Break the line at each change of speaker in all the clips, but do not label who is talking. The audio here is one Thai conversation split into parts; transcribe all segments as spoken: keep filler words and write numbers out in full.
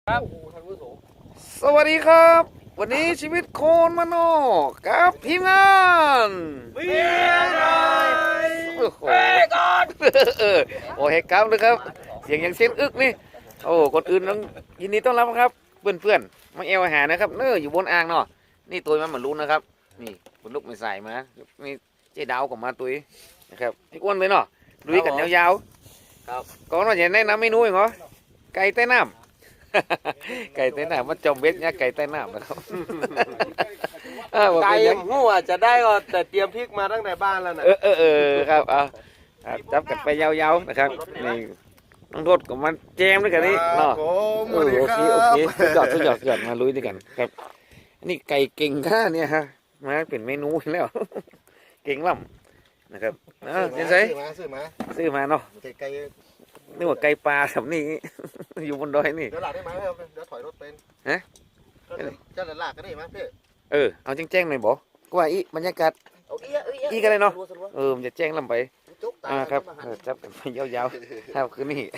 ครับ
สวัสดีครับ วันนี้ชีวิตโคนมโนกับทีมงาน
เบียร์หน่อย
โอ้โห
เฮ้ยก่อน
เออโอ้เฮกครับนะครับ เสียงอย่างเส้นอึกนี่โอ้คนอื่นต้องยินดีต้อนรับครับ เพื่อนเพื่อนๆมาเอวอาหารนะครับเน้ออยู่บนอ่างเนาะนี่ตัวมันเหมือนรู้นะครับ นี่คนลูกไม่ใส่มานี่เจ๊ดาวกับมาตัวนะครับพี่อ้วนเลยเนาะลุยกันยาวๆครับก่อนว่าจะแนะนำเมนูอีกเหรอไก่ใต้น้ำ ไก่ใต้น้ำมันจมเบ็ดเนี่ยไก่ใต้น้ำนะครับ
ไก่หัวจะได้ก็แต่เตรียมพริกมาตั้งแต่บ้านแล้วนะ
เออเออเออครับเอาจับกันไปยาวๆนะครับนี่ต้องโทษกับมันแจมด้วยกันนี่เนาะเออโอเคโอเคสุดยอดสุดยอดสุดยอดมาลุยด้วยกันครับนี่ไก่เก่งข้าเนี่ยฮะมาเป็นเมนูแล้ว เก่งล่ำนะครับเออเจนไซ
ซื้อมาซื้อมา
ซื้อมาเนาะ
ไกล
นึกว่าไก่ปลาแบบนี้ อยู่บนดอยนี่
ๆเดี๋ยวหลักได้ไหมเดี๋ยวถอยรถเป็น
ฮะ
จะหลักก็ได้ไหมพี่
เออเอาแจ้งๆหน่อยบอกก็ว่าอีบรรยากาศ
เอาเอี้ยเอี้ย
อีกันเลยเนาะเออมันจะแจ้งลำไป
จุกตา
อ่าครับเออจับกันไปยาวๆครับคือนี่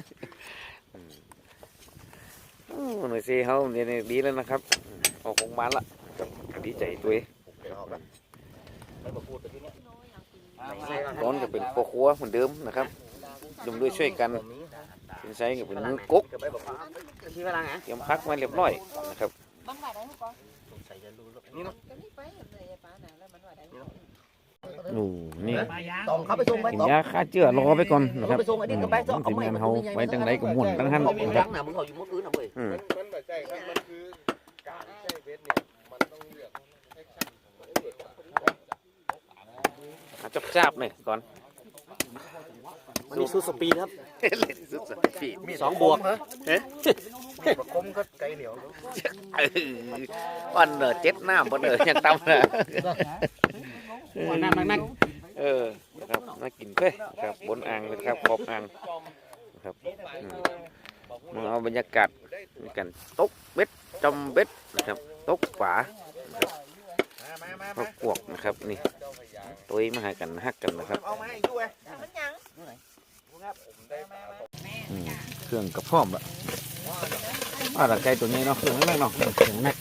อืมหน่วยซีเขาเนี่ยดีแล้วนะครับออกโรงพยาบาลละครับดีใจตัวเองร้อนก็เป็นพ่อครัวเหมือนเดิมนะครับยมด้วยช่วยกันสินใช้ก็เป็นมือกุ๊กเตรียมพักมาเรียบร้อยนะครับโอ้นี่
ต้องเข้าไปส่งไป
กิน
ต้อง
ยาฆ่าเชื้อรอไปก่อนนะครับ
ไปส่งไอ้ดินก็ไปส่ง
ทีมงานเขาไว้ตั้งไหนก็ม่วนตั้งหัน
เขามี
นะค
รั
รับ
กหนามึงเขาอยู่มุดอื่นนะเว้ย
อืม
มันแบบใช่ครับมันคือการใช้เวทเนี่ยมันต้องเลือกแอคชั่น
เอาจับๆหน่อยก่อน
มันมีซูสปีดครับ
เล่นสุดสัปดาห์
มีสองบวก
เฮ้ย
คมก็ไกลเหนียว
เออวันเนอเจ็ดน้ำวันเนอยังตำนะ
นั่งนั่ง
เออครับมากินเพื่อครับบนอ่างนะครับขอบอ่างครับอืมมาเอาบรรยากาศในกันตกเบ็ดจมเบ็ดนะครับตกฝานะครับเขากวกนะครับนี่ตัวมาหากันฮักกันนะครับ
เอามาให้ด้วย
อืมเครื่องกระพร้อมละอ่าตะไคร้ตัวนี้เนาะเครื่องแรกเนาะเครื่องแรก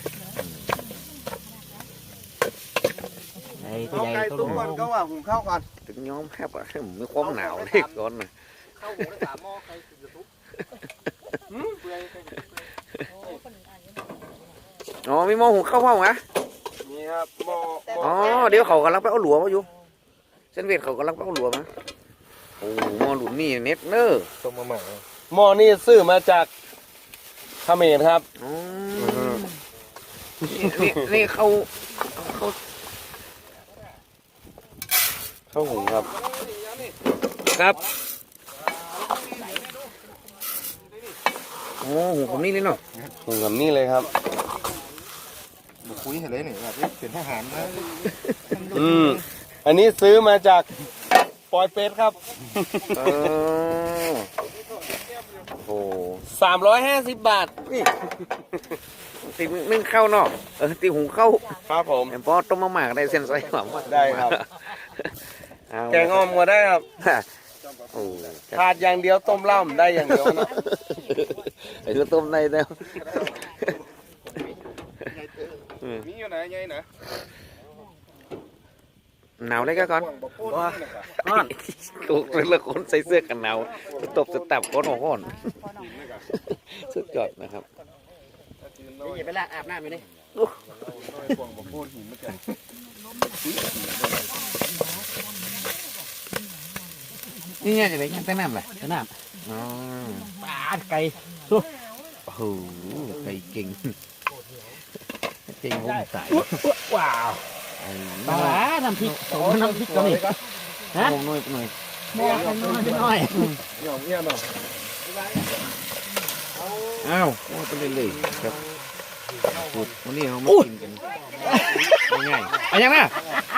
เอาไก่ตุ้มก่อนก็ว่าหุงข้าวก่อน
ถึงย้อมแคบอะผมมีความหนาวเล็กก่อนนะ
ข้าวหุงได้สามหม้อใครจะทุบ
อ๋อมีหม้อหุงข้าวเผาไหม
นี่ครับหม้อหม้อ
อ๋อเดี๋ยวเขากำลังไปเอาหลัวมาอยู่เส้นเวทเขากำลังไปเอาหลัวมาโอ้หม้อหลุนนี่เน็ตเนอร์
ต้มมาใหม่
หม้อนี่ซื้อมาจากเขมรครับ
อ๋อนี่นี่เขาเขา
ข้าวหุงครับ
ครับโอ้หุงผมนี่เลยเนาะ
หุงกับนี่เลยครับ
คุยเห็นเลยนี่แบบเป็นทหารนะ
อืมอันนี้ซื้อมาจากปอยเป็ดครับ
เออโอ้
สามร้อยห้าสิบบาท
ตีนึ่งข้าวเนาะเออตีหุงข้าว
ครับผม
แต่พอต้มมาหมากได้เส้นไส้หวาน
ได้ครับ
เอา
แกงอ้อมก็ได้ครับ
โอ้
ขาดอย่างเดียวต้มเหล้าได้อย่างเดียวนะ
ไอ้ตัวต้มในแล้ว
มีอยู่ไหนไงนะ
หนาวเลยก็ก่อนก่อนถูกเลยละคนใส่เสื้อกันหนาวตบสตับก้นหัวก้นสุดยอดนะครับ
นี่ไปละอาบน้ำอยู่นี่
นี่ไงจะได้ยังใต้น้ำเลย
น้
อ๋อ
ำปลาไก่
โอ้โหไก่เก่งเก่งผมใส่
ว้าวปลาน้ำพริกน้ำพริกก็นี่
ฮะผมหน่อยหน่อย
หม้อข้างน้อยน้อย
หย่อมเงี้ยหน่อย
อ้าวว่าไปเลยๆครับสุดวันนี้เรามากินกันง่ายๆอะไรยังนะ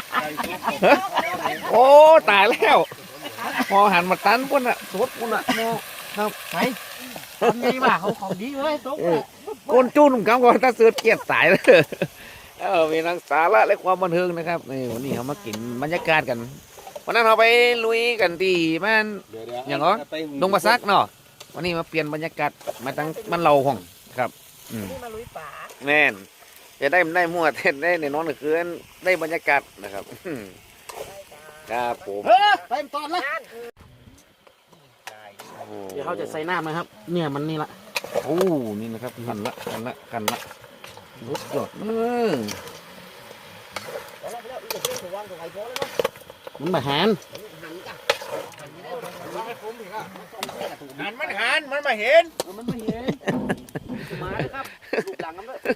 โอ้ตายแล้วพอหันมาตันปุ่นอ่ะสดปุ่นอ่ะโมครับ
ไปทำไงมาเขาของดีเลยตุ๊ก
ก้นจูนผมกำก่อนถ้าเสือเกียดสายเลยเออมีทั้งสาระและความบันเทิงนะครับนี่วันนี้เขามากินบรรยากาศกันวันนั้นเราไปลุยกันที่บ้านอย่างเหรอดงบะซักเนาะวันนี้มาเปลี่ยนบรรยากาศมาตั้งมันเราห้องครับอืม
นี่มาลุยป่า
แน่นจะได้ได้มั่วเต้นได้ในนอนก็คือได้บรรยากาศนะครับอืมครับผม
เฮ้ยเต็มตอนละ
โอ้โห
เดี๋ยวเขาจะใส่น้ำนะครับ เนี่ยมันนี่ละ
โอ้นี่นะครับขันละขันละขันละรุดยอดเออ
มันบะหาน
หันมันหันมันมาเห็น
มันไม่เห็นมาเลยครับลูกหลังกันด้วย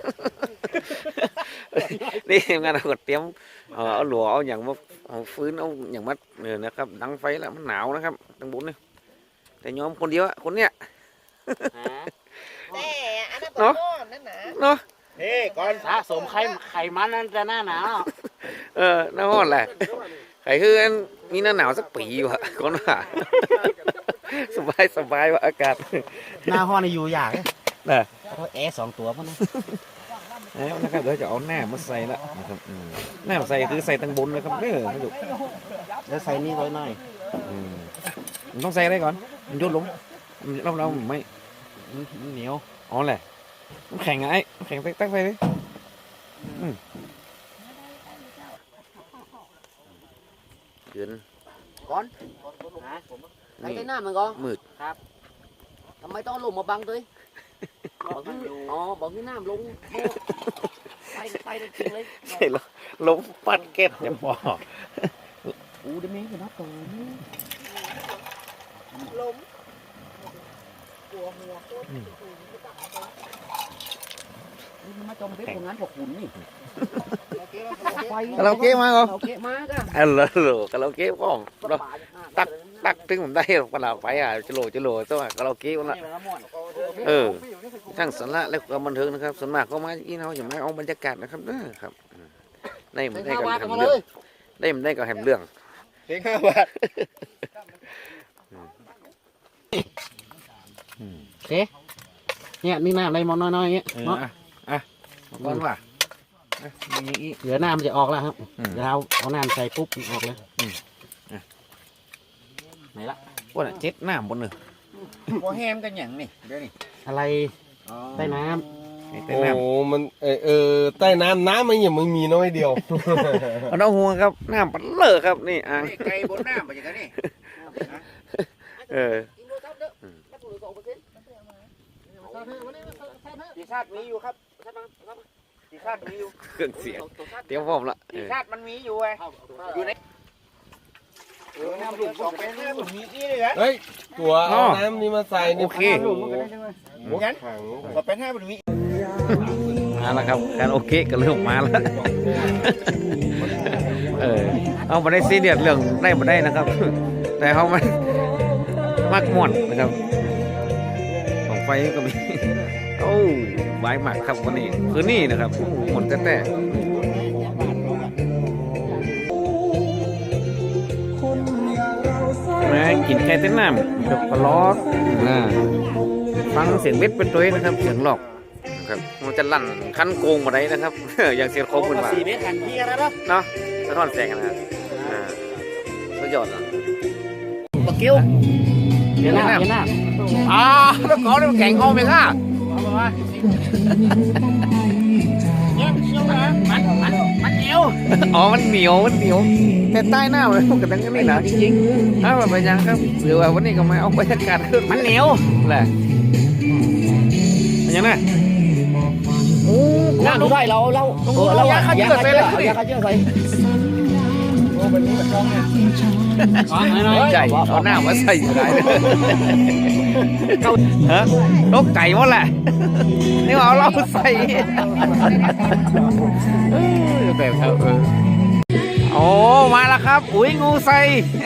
นี่งานเราก็เตรียมเอาเอาหลัวเอาอย่างมาเอาฟื้นเอาอย่างมาเนี่ยนะครับดังไฟแล้วมันหนาวนะครับตั้งบุญเนี่ยแต่ยอมคนเดียวอะคนเนี้ย
แต่อันนั้น
เนาะ
ก้อนนั่นนะ
เนาะ
นี่ก่อน
สะสมไข่ไข่มันนั่นจะหน้าหนาว
เออหน้าห้อนแหละใครคืออันมีหน้าหนาวสักปีวะคนว่า สบายสบายวะอากาศ
หน้าห้องนี่อยู่อย่าง
น่ะ
เพราะแอร์สองตัวพวกนั้น
แล้วนะครับเดี๋ยวจะเอาหน้ามาใส่ละนะครับอืมหน้ามาใส่คือใส่ตั้งบนนะครับเด้อไม่ถูก
แล้วใส่นี่ไว้หน่อย
อืมมันต้องใส่อะไรก่อนมันโยนลงเราเราไม่
มันเหนียว
อ๋อแหละน้ำแข็งไงน้ำแข็งตั้งไปเลยอืมเกิน
ก่อนใส่น้ำมันก่อน
มืด
ทำไมต้องลงมาบังด้วยบอกที่อ๋อบอกที่น้ำลงไปไปจริงเลย
ใช่แล้วล้มปัดเก็ตจะบอก
อู้ได้ไหมกันนะตัวนี้
ล้มกลัวหัวโคตร
นี่มันมาจมเป็นของงานพวกคุณนี่
คาราโอเกะมาเหรอ
เราเกะมากอ่ะ
เออเหรอเหรอคาราโอเกะก็เราตักตึงผมได้เวลาไปอ่ะจะโหลจะโหลตัวคาราโอเกะวันละเออทั้งสาระและความบันเทิงนะครับส่วนมากก็มาอีเราอย่างไรเอาบรรยากาศนะครับเด้อครับได้มันได้กันแฮมเรื่องได้มันได้กับแฮมเรื่อง
เพียงห้าบาท
โอเคเนี่ยนี่น้ำอะไรมอนน้อยๆเงี้ย
เออ
เนาะ
อ่ะอ่ะเอาก่อนว่ะอ่ะมีอีก
เดี๋ยวน้ำมันจะออกแล้วครับ
อืม
เดี๋ยวเราเอาน้ำใส่ปุ๊บมันออกเลย
อืมอ่ะ
ไหนละ
ว่าน่ะเจ็ดหน้าบนหนึ่ง
พอแฮมกันอย่างนี่เดี๋ยวนี้
อะไรใต้น้
ไอ้เต้
โอ้
นน้
มันเออเออใต้น้ำน้ำมันยังไม่มีน้อยเดียว
ำเอาน้องหัวครับหน้าปัดเลอะครับนี่อ่าง
ไก่บนน้ำไปอย่างนี้
เออ
ปีชาติมีอยู่ครับปีชาติมีอยู่
เครื่องเสียงเตรียมพร้อมละเอ
ปี
อ
ชาติมันมีอยู่ไงอยู่ในเออน้ำหลุมสองเป็นน้ำหลุมมีนี่เลยนะเฮ้ยตัวเอาน้ำนี่มาใส่นี่
โอเค
หมดถังสองเป็นห้าหลุมมี
มาแล้วครับการโอเคก็เริ่มมาแล้วเออเอามาได้ซีเรียสเรื่องได้มาได้นะครับ แต่เขามันมักม่วนนะครับของไฟก็มีโอ้ไว้หมักครับวันนี้คือนี่นะครับหมดแต่แต่นะกินแค่เต้นน้ำกับปลาล้อนะฟังเสียงเบ็ดเป็นตัวนะครับเสียงหลอกนะครับมันจะลั่นคันโกงมาได้นะครับ อย่างเสียงโค้งขึ้นมา
สี่เมตรกันพี่กันแล้ว
เนาะสะท้อนแสงนะครับอ่าสุดยอดอ่ะ
บักกิ้วเดี๋ยวหน้าเดี๋ยวหน้า
อ่าแล้วก่อนมันแข่งเอาไหมค่ะ
เนี่ยเชี่ยวนะมันมันมันเหนียว
อ๋อมันเหนียวมันเหนียวแต่ใต้หน้ามันกระดังกันนี่นะจริงๆอ้าวไปยังครับหรือว่าวันนี้ก็มาเอาบรรยากาศขึ้น
มันเหนียว
แหละเป็นยังไงโอ้
น้ำด้วยเราเราเราอยากขยื่นใส่เลยอยากขยื่นใส่
ใจเอาหน้ามาใส่อยู่ไหนฮะนกไก่หมดแหละนี่เอาเราใส่แบบครับเออโอ้มาแล้วครับอุ้ยงูใส่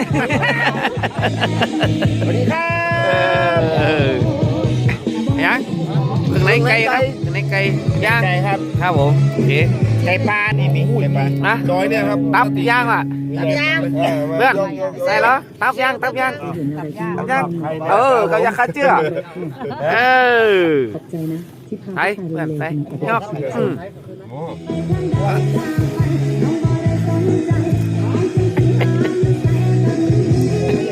สวัสดีครับยังถึงไหนไก่ครับถึงไหนไก่ย่าง
ไก่ครับ
ครับผมโอเค
ไก่ปลานี่มีไก่ปลา
นะ
ดอยเนี่ยครับ
ตับย่างอ่ะเพื่อนใส่แล้วตับย่างตับย่างตับย่างเออเขาอยากข้าเชื่อเออใส่เพื่อนใส่ยอกอืม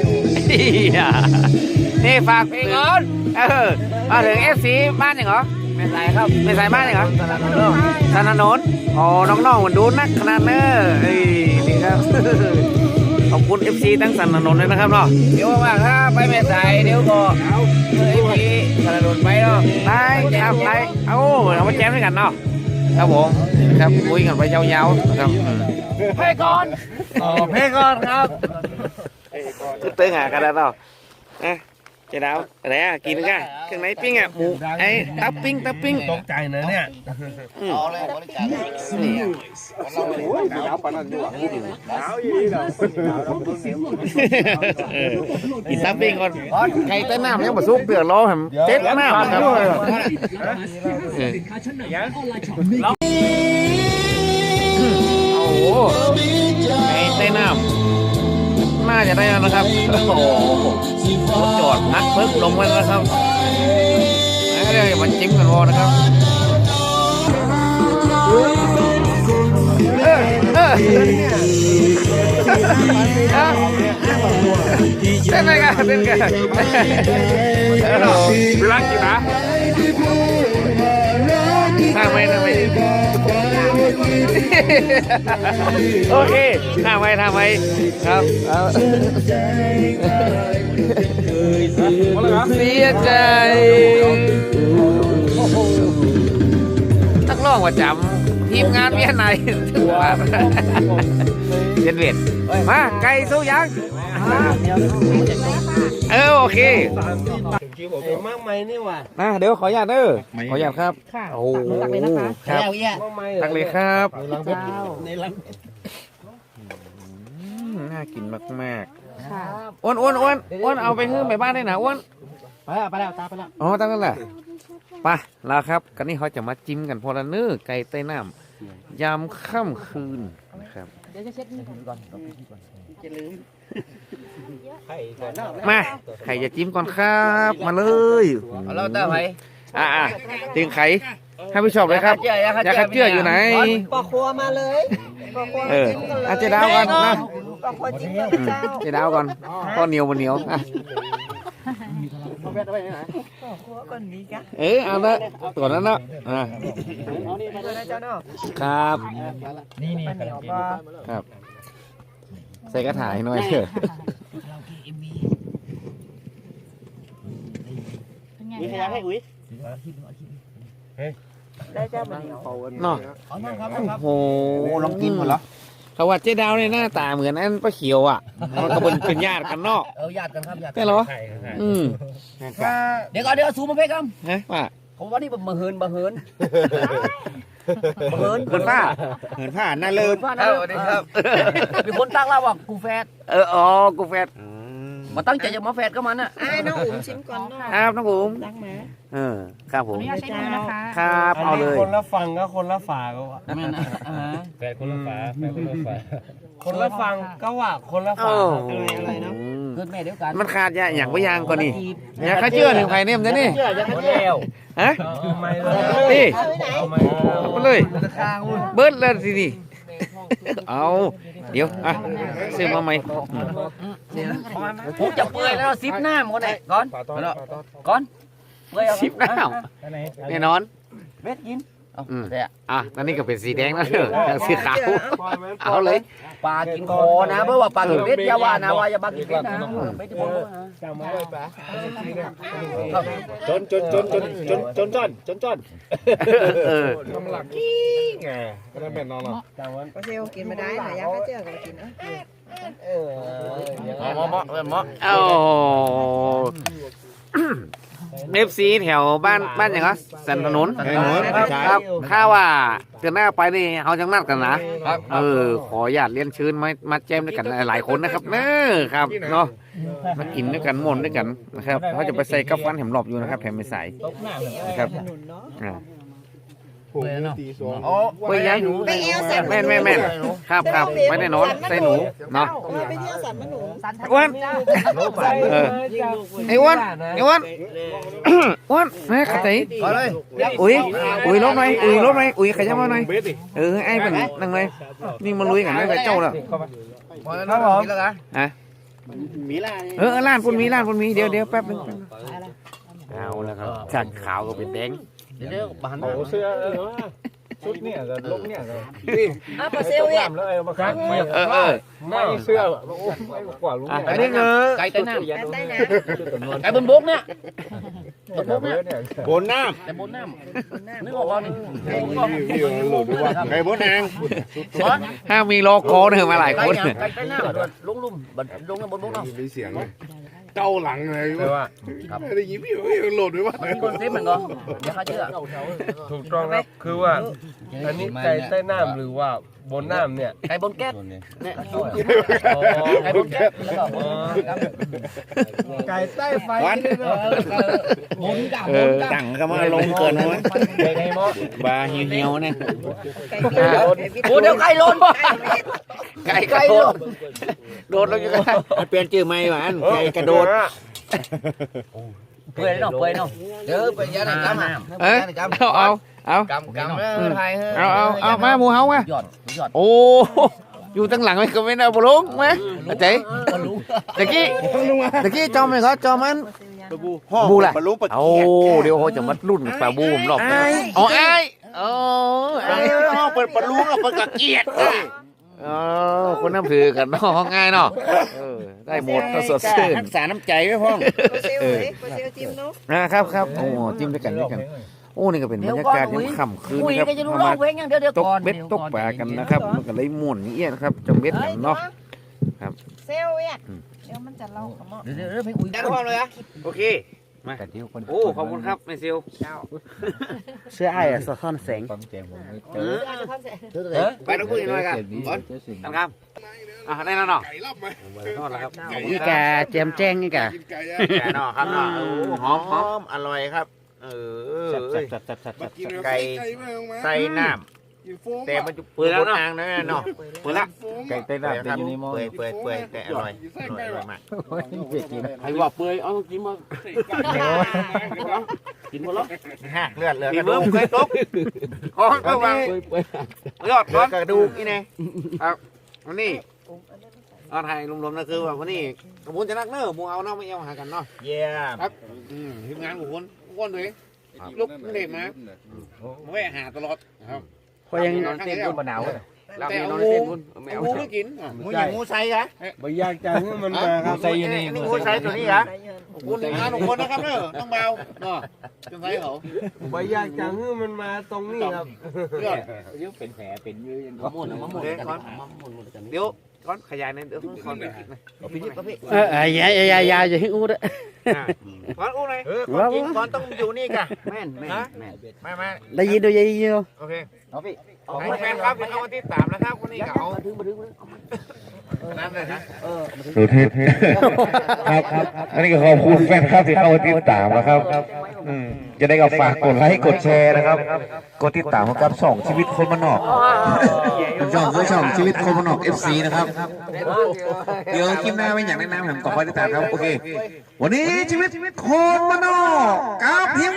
นี่ฝากเพลงก่อนเออมาถึงเอฟซีบ้านยังเหรอ
ไม่ไรครับ
ไม่สายบ้านเลยเหรอสนานนท์อ๋อน้องๆมันดูนักขนาดเนอะเอ้ยนี่ครับ ขอบคุณ เอฟ ซี ทั้งสนานนท์เลยนะครับเนาะเดี๋ยวว่างถ้าไปแม่สายเดี๋ยวก็เอฟซีสนานนท์ไปเนาะได้ครับได้เอาเอามาแจมด้วยกันเนาะครับผมครับคุยกันไปยาวๆนะครับเพก่อนอ๋อเพก่อนครับคือเตื้อหากันแล้วเนาะนะเจ๊ดาวอะไรอ่ะกินกันเครื่องในปิ้งอ่ะหมูไอ้ตับปิ้งตับปิ้ง
ตกใจนะเนี่ย
เอาเลยบริการ
นี่
หนาวปานนั้นอยู่หนาวอยู่นี่เหรอ
กินตับปิ้งก่อนไก่เต้นน้ำยังมาซุปเดือดร้อนผมเจ็ดน้ำครับโอ้โหไก่เต้นน้ำน่าจะได้แล้วนะครับโอ้โหจอดนักเพิ่งลงมาแล้วครับเดี๋ยวมันจิ้มกันพอนะครับเออเออเต้นไงกันเต้นกันเวลากี่นะทำไมทำไมโอเคทำไมทำไมครับเสียใจนักร้องประจำทีมงานเวียนไหนถึงว่าเย็นเวียนมาไก่สู้ยังเออโอเค
คิวผมเป็นมากไหมนี่วะ
นะเดี๋ยวขออนุญาตเด้อขออนุญาตครับโอ้โหครับ
มากไหม
ตักเลยครับ
ในรังเพชรในรัง
น่ากินมากๆอ้วนอ้วนอ้วนอ้วนเอาไปฮื้อไปบ้านได้นะอ้วน
ไปแล้วไปแล้วตาไปแล้ว
อ๋อตั้งนั่นแหละไปแล้วครับกันนี้เขาจะมาจิ้มกันพอละเนื้อไก่ใต้น้ำยามค่ำคืนนะครับ
เดี๋ยวจะเช็ดนี่ก่อน
จะลืม
มาใครจะจิ้มก่อนครับมาเลย
เอาเราเต้าไป
อ่าถึงไข่ให้ผู้ชมเลยครับอยากขัดเจืออยู่ไหน
ปอกครัวมาเลยปอกครัว
เออ
จิ้มกันเลย
อาเจดาวก่อนนะ
ปอกครัวจิ้มกัน
อืม
เจ้า
เจดาวก่อนก็เหนียวมันเหนียวอ่ะ
เอาแบตเอาไปไหน
ปอกครัวก่อนดีกะ
เออเอาละตัวนั้นเนาะอ่า
เลยนะเจ้าเนาะ
ครับ
นี่นี่
เหนียวก็
ครับใส่กระถายหน่อยเถอะ
มีใครให้อุ้ย
ได้เจ้ามันเหนียว
เนาะ
เอานั่งครับ
โอ้โหลองกินหมดเหรอเขาว่าเจ๊ดาวเนี่ยหน้าตาเหมือนอันป้าเขียวอ่ะมันก็เป็นเป็นญาติกันเนาะ
เออญาติกันครับญาติ
ใช่เหรออืม
เดี๋ยวก่อนเดี๋ยวซูมมาเพ่ครับ
ฮะว่า
ผมว่านี่บังเฮินบังเฮินบังเฮิน
เหินผ้าเหินผ้าน่าเลิศ
ว่านะสวัสดีครับมีคนตั้งเล่าว่ากูแฟด
เอออ๋อกูแฟด
มาตั้งใจจะมาแฟดก็มันอ่ะ
อ่าน้องอุ๋มชิมก่อนเนาะ
ครับน้องผม
รักหมา
เออครับผม
ใช้มือนะคะ
ครับเอาเลย
คนละฟังก็คนละฝาก็ว่า
นั่นนะอ่า
แฟนคนละฝาแฟนคนละฝา
คนละฟังก็ว่าคนละฝา
โอ้
อะไรเนาะ
เกิดแม่เดียวกัน
มันขาดยาอย่างว่ายังก่อนนี่อยากข้าเชื่อถึงไผ่เนี่ยมันจะนี่
เชื่อจะเที่ยว
ฮะ
ทำไมเลย
นี่
ทำไม
มาเลยเบิร์ดแล้วสินี่เอาเดี๋ยวอ่ะซื้อมาใหม่
ผมจะเปื่อยแล้วซิปหน้ามันก่อนไหนก่อนก่อนเปื่อย
สิบน้ำแน่นอน
เบ็ดกินเอา
อืม
แต่
อ่ะตอนนี้ก็เป็นสีแดงแล้วเถอะจากสีขาวเอาเลย
ปลากินคอนะเพราะว่าปลากินเบ็ดอย่าว่านะว่าอย่าปลากินเบ็ดนะไม่ได้บอกนะ
จำไว้เลยปะ
จนจนจนจนจนจนจนจนจน
เออ
ทำหลักกี้ไงก็ได้เป็นนอนหรอจำไว้
ก็เซลกินมาได้หายาก็เจอกันกินนะ
เออ
เหมาะเหมาะเหมาะ
เอาเอฟซีแถวบ้านบ้านอย่างไรสันถนนครับข้าว่าเดือนหน้าไปนี่เขาจังนัดกันนะเออขออยากเรียนเชิญมามาแจมด้วยกันหลายคนนะครับเนอครับเนาะมากินด้วยกันมวนด้วยกันนะครับเขาจะไปใส่กับฟันแถมหลบอยู่นะครับแถมไม่ใส่นะครับอ่า
ผมตีสอง
โอ้
ไปยังแม่นแม่นแม่นครับครับไม่ได้นอนใส่หนูเนาะ
มาไปเที่ยวสันมะหนูสัน
อ้วนเออไอ้อ้วนไอ้อ้วนอ้วนแม่ขัดใจ
ก่อนเลย
อุ้ยอุ้ยลบหน่อยอุ้ยลบหน่อยอุ้ยขยับมาหน่อยเออไอ้เป็นนั่งเลยนี่มันลุยกันได้เจ้าแล้ว
พอแล้วครับผมแล้วนะ
ฮะเออล้านปุ่นมีล้านปุ่นมีเดี๋ยวเดี๋ยวแป๊บนึงเอาแล้วครับจากขาวก็เป็นแดง
เดี๋ยวเดี๋ยวบาน
โอ้เสื้อเออชุดเนี่ยกับลงเนี่ยกับ
อ่ะปลาเซลเนี่ย
แล้วเอามาคัดไม่
เออเออ
ไม่เสื้อโอ้ไม่กว่าลุง
อ่ะอันนี้คือ
ไก่ใต้น้
แอนใต้น้
ำไก่บนบกเนี่ยบนบกเนี่ย
บนน้
แต่บนน้ำ
ำ
นึกออกว่านี่
ำไก่บนนาง
ห้ามมีโลโก้เนี่ยมาหลาย
ไก่
คน
เนี่ยไก่ใต้น้ำลงลุ่มบัดลงบนบกเนาะ
มีเสียงเก้าหลังเลย
แต่ว่า
ได้ยินพี่โหลดด้วยว่า
มันมีคอนเซ็ปต์เหมือนกันเดี๋ยวเขาเชื่อ
ถูกต้องครับคือว่าอันนี้ไก่ใต้น้ำหรือว่าบนน้ำเนี่ย
ไก่บนแก๊สเนี่ยจุ๊บ
อ๋อ
ไก่บนแก๊สแล้วก็บน
ไก่ใต้ไฟ
วัน
บนดา
เอบ
น
อ
ดา
ตั้งก็มาลงเกินไหม
ไก่ไก่หม้อบ
าเหี่ยวๆเนี่ย
ไก่เบี้ย
โอ้เดี๋ยวไก่หล่น
ไก่กระโดดโดดลงอยู่กัน
เปลี่ยนชื่อใหม่หวานไก่กระโดด
เปื่อยเนาะเปื่อยเนาะเดี๋ยวไปยัดในกำอ่ะ
เอ้ยเอาเอาเอา
กำกำเออไทย
เอาเอาเอามาหมูเฮามา
หยอดหยอด
โอ้อยู่ตั้งหลังไม่ก็ไม่ได้บลุงไหมเจ๊ตะกี้ตะกี้จอมเลยครับจอมมัน บูแหละ
บรรลุปะ
โอ้เดี๋ยวเขาจะมารุ่นปลาบูมรอบอ๋อไอ้โอ้ไอ้
เปิดบรรลุอ่ะเปิดกะเกียด
อ๋อคนน้ำถือกันเนาะง่ายเนาะเออได้หมดก็สดชื่น
รักษาน้ำใจไว้พ่อง
ปลาเซลเลยปลาเซลจิ้มเนาะ
นะครับครับโอ้จิ้มด้วยกันด้วยกันโอ้นี่ก็เป็นบรรยากาศยามค่ำคืน
คุย
นะครับ
ก็จะรู้
เอา
ร้อ
มาง
เพลงอย่างเดียวเดี๋ยว
ตก
ก่อน
เบ็ดตกปลากันนะครับมันก็เลยม่วนนี่เอี้ยนะครับจำเบ็ดกันเนาะ
เซลเนี่ยเดี๋ยวมันจะเล่าคำว่า
เดี๋ยวเดี๋ยวเพลงอุ้ย
ได้พร้อมเลยอะโอเคมาโอ้ขอบคุณครับแม่ซิล
เสื้อไอ้สะท้อนแสง
เออ
อาจจะพันเสร็จ
ไปต้องพูดอีกหน่อยกันก่อนกันครับอ่ะได้แล้วเนาะนอนแล้วครับ
นี่แกแจมแจ้งนี่แก
แกเนาะครับเนาะหอมหอมอร่อยครับเออไก่ใส่น้ำแต่มันจะเปื่อยแล้วเนาะเนาะเปื่อยละ
ไก่ใต้น้ำแต่อยู่ในหม้อ
เปื่อยเปื่อยเปื่อยแต่อร่อยอร่อยมาก
ใครว่าเปื่อยเอากินมากินหมดแล้ว
หักเลือดเหลือกระดูกเคยตกคอก็วางยอดก้อนกระดูกนี่ไงครับวันนี้เอาไทยรวมๆนะคือว่าวันนี้ขบวนจะนักเนอะมูเอาเนาะไม่เอาหากันเนาะ
เยี่ยม
ครับทีมงานของคนคนเลยลุกเด็กมาแวะหาตลอดครับ
ก็ยังนอนเต้นบนบนหนาว
แต่เอางูเอางูไม่กินงูอย่างงูใส่ฮะ
ไม่ยากจังมันมาครับใส่อยู่นี่
งูใส่ตัวนี้ฮะคุณทีมงานของคนนะครับเนอะต้องเบาเนาะจะใส่เขา
ไม่ยากจังมันมาตรงนี้ครับ
เดี๋ยว
ยังเป็นแผลเป็นอยู่ยัง
มะม่วงมะม่วงกันมะม่วงกัน
เดี๋ยวก้อนขยายในเดี๋ยวก้อนไปคิดนะ
พี่จิ๊บพี่
เออเออยายายายาอย่าให้อู้ด้วย
ก้อนอู้เลยก้อนจริงก้อนต้องอยู่นี่กะ
แม่นแม่นแม่น
มามา
ได้ยินดูได้ยินดู
โอเค
เอาพี่
ให้แฟนครับที่เข้ามาที่สามนะครับวันนี้ก็เอา
มาถึงมาถึง
น้ำเลยนะ
เออ
สุเทพครับครับอันนี้ก็ขอบคุณแฟนครับที่เข้ามาติดตามนะครับอืมจะได้ก็ฝากกดไลค์กดแชร์นะครับกดติดตามกับช่องชีวิตคนมานอกช่องคือช่องชีวิตคนมานอก เอฟ ซี นะครับเดี๋ยวคลิปหน้าไม่อยากแนะนำผมต่อไปติดตามครับโอเควันนี้ชีวิตคนมานอกกับเฮีย